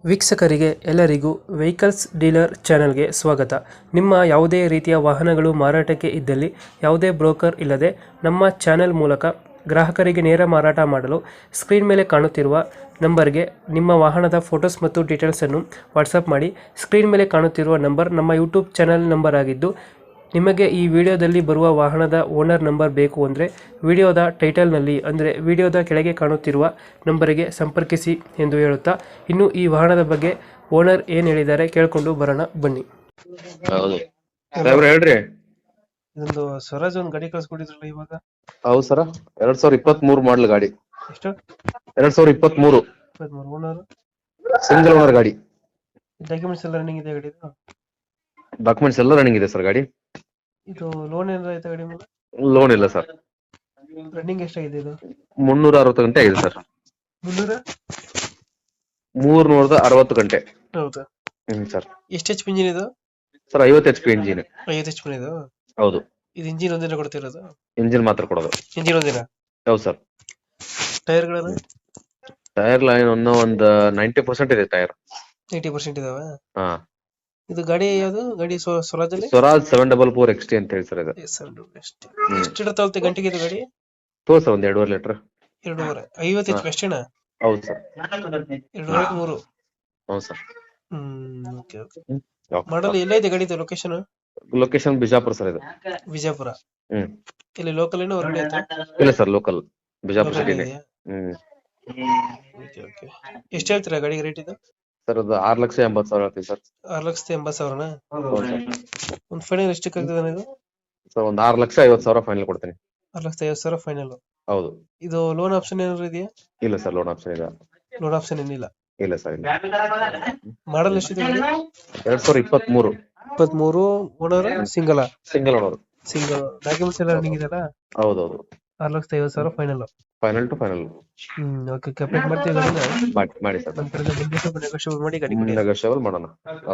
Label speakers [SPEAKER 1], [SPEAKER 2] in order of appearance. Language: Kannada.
[SPEAKER 1] ವೀಕ್ಷಕರಿಗೆ ಎಲ್ಲರಿಗೂ ವೆಹಿಕಲ್ಸ್ ಡೀಲರ್ ಚಾನೆಲ್ಗೆ ಸ್ವಾಗತ. ನಿಮ್ಮ ಯಾವುದೇ ರೀತಿಯ ವಾಹನಗಳು ಮಾರಾಟಕ್ಕೆ ಇದ್ದಲ್ಲಿ ಯಾವುದೇ ಬ್ರೋಕರ್ ಇಲ್ಲದೆ ನಮ್ಮ ಚಾನೆಲ್ ಮೂಲಕ ಗ್ರಾಹಕರಿಗೆ ನೇರ ಮಾರಾಟ ಮಾಡಲು ಸ್ಕ್ರೀನ್ ಮೇಲೆ ಕಾಣುತ್ತಿರುವ ನಂಬರ್ಗೆ ನಿಮ್ಮ ವಾಹನದ ಫೋಟೋಸ್ ಮತ್ತು ಡೀಟೇಲ್ಸನ್ನು ವಾಟ್ಸಪ್ ಮಾಡಿ. ಸ್ಕ್ರೀನ್ ಮೇಲೆ ಕಾಣುತ್ತಿರುವ ನಂಬರ್ ನಮ್ಮ ಯೂಟ್ಯೂಬ್ ಚಾನೆಲ್ ನಂಬರ್ ಆಗಿದ್ದು, ನಿಮಗೆ ಈ ವಿಡಿಯೋದಲ್ಲಿ ಬರುವ ವಾಹನದ ಓನರ್ ನಂಬರ್ ಬೇಕು ಅಂದರೆ ವಿಡಿಯೋದ ಟೈಟಲ್ನಲ್ಲಿ ಅಂದರೆ ವಿಡಿಯೋದ ಕೆಳಗೆ ಕಾಣುತ್ತಿರುವ ನಂಬರಿಗೆ ಸಂಪರ್ಕಿಸಿ ಎಂದು ಹೇಳುತ್ತಾ, ಇನ್ನು ಈ ವಾಹನದ ಬಗ್ಗೆ ಓನರ್ ಏನು ಹೇಳಿದ್ದಾರೆ ಕೇಳಿಕೊಂಡು ಬರೋಣ ಬನ್ನಿ.
[SPEAKER 2] ಹೌದು ಸಾಹೇಬ್ರ ಹೇಳ್ರಿ.
[SPEAKER 1] ಇದೊಂದು ಸ್ವರಾಜ್ ಒಂದು ಗಾಡಿ ಕಳ್ಸ್ಕೊಟ್ಟಿದ್ರಲ್ಲ ಇವಾಗ.
[SPEAKER 2] ಹೌದು ಸರ, 2023 ಮಾಡಲ್ ಗಾಡಿ.
[SPEAKER 1] ಎಷ್ಟು?
[SPEAKER 2] 2023
[SPEAKER 1] ಓನರ್.
[SPEAKER 2] ಸಿಂಗಲ್ ಓನರ್ ಗಾಡಿ.
[SPEAKER 1] ಡಾಕ್ಯುಮೆಂಟ್ಸ್ ಎಲ್ಲ ರನ್ನಿಂಗ್ ಇದೆ ಗಾಡಿದು?
[SPEAKER 2] ಡಾಕ್ಯುಮೆಂಟ್ಸ್ ಎಲ್ಲ ರನ್ನಿಂಗ್ ಇದೆ ಸರ್ ಗಾಡಿ.
[SPEAKER 1] ಇದು ಲೋನ್ ಏನಾರ ಆಯ್ತಾ ಗಾಡಿ ಮೇಲೆ?
[SPEAKER 2] ಲೋನ್ ಇಲ್ಲ ಸರ್.
[SPEAKER 1] ರನ್ನಿಂಗ್ ಎಷ್ಟಾಗಿದೆ ಇದು?
[SPEAKER 2] 360 ಗಂಟೆ ಆಗಿದೆ ಸರ್. 360 ಗಂಟೆ.
[SPEAKER 1] ಹೌದಾ?
[SPEAKER 2] ಸರ್.
[SPEAKER 1] ಎಷ್ಟು ಎಚ್ ಪಿ ಇಂಜಿನ್ ಇದು?
[SPEAKER 2] Sir 50 HP engine.
[SPEAKER 1] 50 H P ಇದು?
[SPEAKER 2] ಹೌದು.
[SPEAKER 1] ಇದು ಇಂಜಿನ್ ಒಂದಿನ ಕೊಡ್ತಿರೋದು?
[SPEAKER 2] ಇಂಜಿನ್ ಮಾತ್ರ ಕೊಡೋದು.
[SPEAKER 1] ಇಂಜಿನ್ ಒಂದಿನ?
[SPEAKER 2] ಹೌದು ಸರ್.
[SPEAKER 1] ಟೈರ್ಗಳನ್ನು?
[SPEAKER 2] ಟೈರ್ ಲೈನ್ ಒಂದು 90% ಇದೆ ಟೈರ್.
[SPEAKER 1] 80% ಇದಾವ?
[SPEAKER 2] ಹಾ.
[SPEAKER 1] ಇದು ಗಾಡಿ ಯಾವುದು ಗಾಡಿ? ಸ್ವರಾಜ್ ಅಲ್ಲಿ
[SPEAKER 2] ಸ್ವರಾಜ್ 744 XT ಅಂತ ಹೇಳಿ ಸರ್ ಇದು.
[SPEAKER 1] ಎಷ್ಟು ತಗೊಳ್ತೆ ಗಂಟೆಗೆ ಇದು ಗಾಡಿ?
[SPEAKER 2] ಸರ್ ಒಂದ್ 2.5 ಲೀಟರ್.
[SPEAKER 1] 2.5 50 ಎಚ್ ಪಿ ಅಷ್ಟೇನಾ?
[SPEAKER 2] ಹೌದು ಸರ್.
[SPEAKER 1] 2.5 3.
[SPEAKER 2] ಹೌದು ಸರ್.
[SPEAKER 1] Okay okay. ಮಾಡಲ್ ಎಲ್ಲ ಇದೆ ಗಾಡಿದು? ಲೊಕೇಶನ್?
[SPEAKER 2] ಲೊಕೇಶನ್ ಬಿಜಾಪುರ ಸರ್ ಇದು.
[SPEAKER 1] ವಿಜಯಪುರ.
[SPEAKER 2] ಹ್ಮ್.
[SPEAKER 1] ಇಲ್ಲಿ ಲೋಕಲ್ ಏನೋ ಹೊರಗಡೆ ಆಯ್ತಾ?
[SPEAKER 2] ಇಲ್ಲ ಸರ್, ಲೋಕಲ್ ಬಿಜಾಪುರ ಸಿಟಿನೇ.
[SPEAKER 1] Okay okay. ಎಷ್ಟು ಹೇಳ್ತೀರಾ ಗಾಡಿಗೆ ರೇಟ್ ಇದು?
[SPEAKER 2] ಸರ್ ಅದು 6,80,000 ಹೇಳ್ತೀವಿ ಸರ್.
[SPEAKER 1] 6,80,000ನಾ?
[SPEAKER 2] ಹೌದು ಸರ್.
[SPEAKER 1] ಒಂದು ಫೈನಲ್ ಎಷ್ಟಕ್ಕೆ ಆಗ್ತದೆ ಇದು?
[SPEAKER 2] ಸರ್ ಒಂದು 6,50,000 ಫೈನಲ್ ಕೊಡ್ತೀನಿ.
[SPEAKER 1] 6,50,000 ಫೈನಲ್.
[SPEAKER 2] ಹೌದು.
[SPEAKER 1] ಇದು ಲೋನ್ ಆಪ್ಷನ್ ಏನಾದ್ರು ಇದೆಯಾ?
[SPEAKER 2] ಇಲ್ಲ ಸರ್, ಲೋನ್ ಆಪ್ಷನ್ ಇಲ್ಲ.
[SPEAKER 1] ಲೋನ್ ಆಪ್ಷನ್ ಏನಿಲ್ಲ?
[SPEAKER 2] ಇಲ್ಲ ಸರ್, ಇಲ್ಲ.
[SPEAKER 1] ಮಾಡಲ್ ಎಷ್ಟಿದೆ ಗಾಡಿ?
[SPEAKER 2] 2023.
[SPEAKER 1] 23. Owner single?
[SPEAKER 2] Single owner.
[SPEAKER 1] Single. Documents ಎಲ್ಲ ರನ್ನಿಂಗ್ ಇದೆಯಲ್ಲ?
[SPEAKER 2] ಹೌದೌದು.
[SPEAKER 1] 6,50,000 final.
[SPEAKER 2] Final to final.
[SPEAKER 1] Okay. Complete ಮಾಡ್ತೀವಿ ಗಾಡಿನ?
[SPEAKER 2] ಮಾಡಿ ಸರ್.
[SPEAKER 1] ನಮ್ಮ ಕಡೆಯಿಂದ ಬಂದು ಸ್ವಲ್ಪ ನೆಗೋಷಿಯೇಟ್ ಮಾಡಿ ಗಾಡಿ ಕೊಡಿ.
[SPEAKER 2] ನೆಗೋಷಿಯಬಲ್ ಮಾಡೋಣ.